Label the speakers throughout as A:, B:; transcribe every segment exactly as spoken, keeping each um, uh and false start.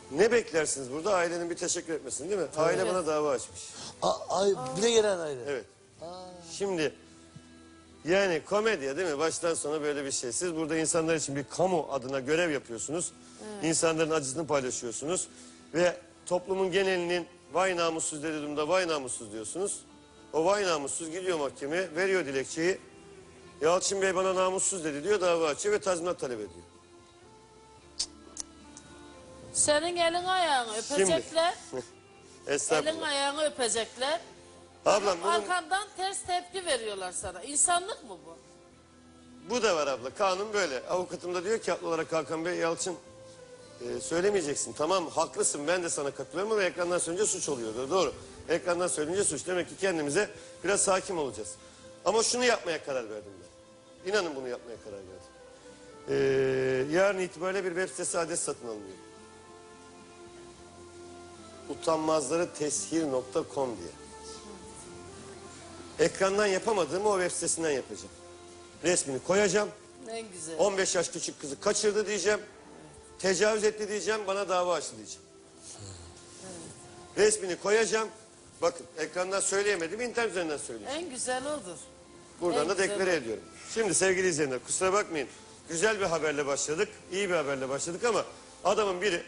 A: Ne beklersiniz burada? Ailenin bir teşekkür etmesini değil mi? Aile
B: Evet.
A: bana dava açmış.
C: A, ay, bir de gelen aile.
A: Evet. Şimdi yani komedya değil mi? Baştan sona böyle bir şey. Siz burada insanlar için bir kamu adına görev yapıyorsunuz. İnsanların acısını paylaşıyorsunuz. Ve toplumun genelinin vay namussuz dediği durumda vay namussuz diyorsunuz. O vay namussuz gidiyor mahkemeye, veriyor dilekçeyi. Yalçın Bey bana namussuz dedi diyor, dava açıyor ve tazminat talep ediyor.
B: Senin elin ayağını öpecekler. Elin
A: Estağfurullah.
B: ayağını öpecekler.
A: Ablam bunun,
B: Arkandan ters tepki veriyorlar sana. İnsanlık mı bu?
A: bu da var abla. Kanun böyle. Avukatım da diyor ki haklı olarak Hakan Bey, Yalçın e, söylemeyeceksin. Tamam haklısın, ben de sana katılıyorum ama ekrandan söyleyince suç oluyor. Doğru. Ekrandan söyleyince suç. Demek ki kendimize biraz hakim olacağız. Ama şunu yapmaya karar verdim ben. İnanın bunu yapmaya karar verdim. Ee, yarın itibariyle bir web sitesi adres satın alınıyor. utanmazları teshir nokta com diye. Ekrandan yapamadığımı o web sitesinden yapacağım. Resmini koyacağım.
B: En güzel.
A: on beş yaş küçük kızı kaçırdı diyeceğim. Tecavüz etti diyeceğim. Bana dava açtı diyeceğim. Resmini koyacağım. Bakın ekrandan söyleyemedim. İnternet üzerinden söyleyeceğim.
B: En güzel odur.
A: Buradan
B: En
A: da
B: güzel
A: deklare
B: o.
A: ediyorum. Şimdi sevgili izleyenler kusura bakmayın. Güzel bir haberle başladık. İyi bir haberle başladık ama adamın biri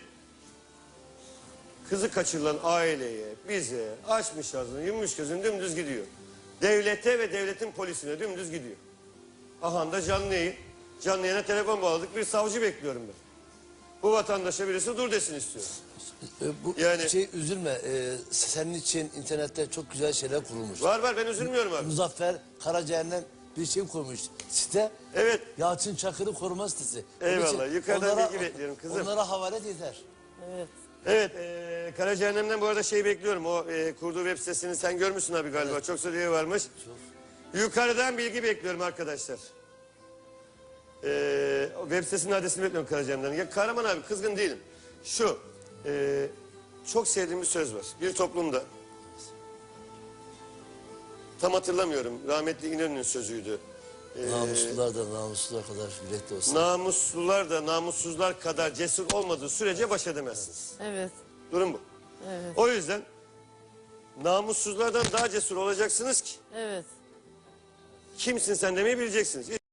A: kızı kaçırılan aileye, bize açmış ağzını, yummuş gözünü dümdüz gidiyor. Devlete ve devletin polisine dümdüz gidiyor. Aha da canlı yayın. Canlı yayına telefon bağladık. Bir savcı bekliyorum ben. Bu vatandaşa birisi dur desin istiyorum.
C: E, bu
A: Yani-
C: şey üzülme. E, senin için internette çok güzel şeyler kurulmuş.
A: Var var ben üzülmüyorum abi.
C: Muzaffer Karacaer'den bir şey kurmuş. Site
A: Evet.
C: Yalçın Çakır'ı koruma sitesi. Onun
A: Eyvallah,
C: için
A: yukarıdan bilgi bekliyorum kızım.
C: Onlara havalet yeter.
B: Evet.
A: Evet, e, Karacaahnem'den bu arada şey bekliyorum. O e, kurduğu web sitesini sen görmüşsün abi galiba.
C: Evet.
A: Çok söylüyor varmış.
C: Çok.
A: Yukarıdan bilgi bekliyorum arkadaşlar. E, o web sitesinin adresini bekliyorum Karacaahnem'den. Ya Kahraman abi kızgın değilim. Şu, e, çok sevdiğim bir söz var. Bir toplumda, tam hatırlamıyorum, rahmetli İnönü'nün sözüydü. E,
C: Namuslular da namuslular kadar yürekli olsun.
A: Namuslular da namussuzlar kadar cesur olmadığı sürece baş edemezsiniz.
B: Evet.
A: Durum bu.
B: Evet.
A: O yüzden namussuzlardan daha cesur olacaksınız ki
B: Evet.
A: kimsin sen demeyi bileceksiniz.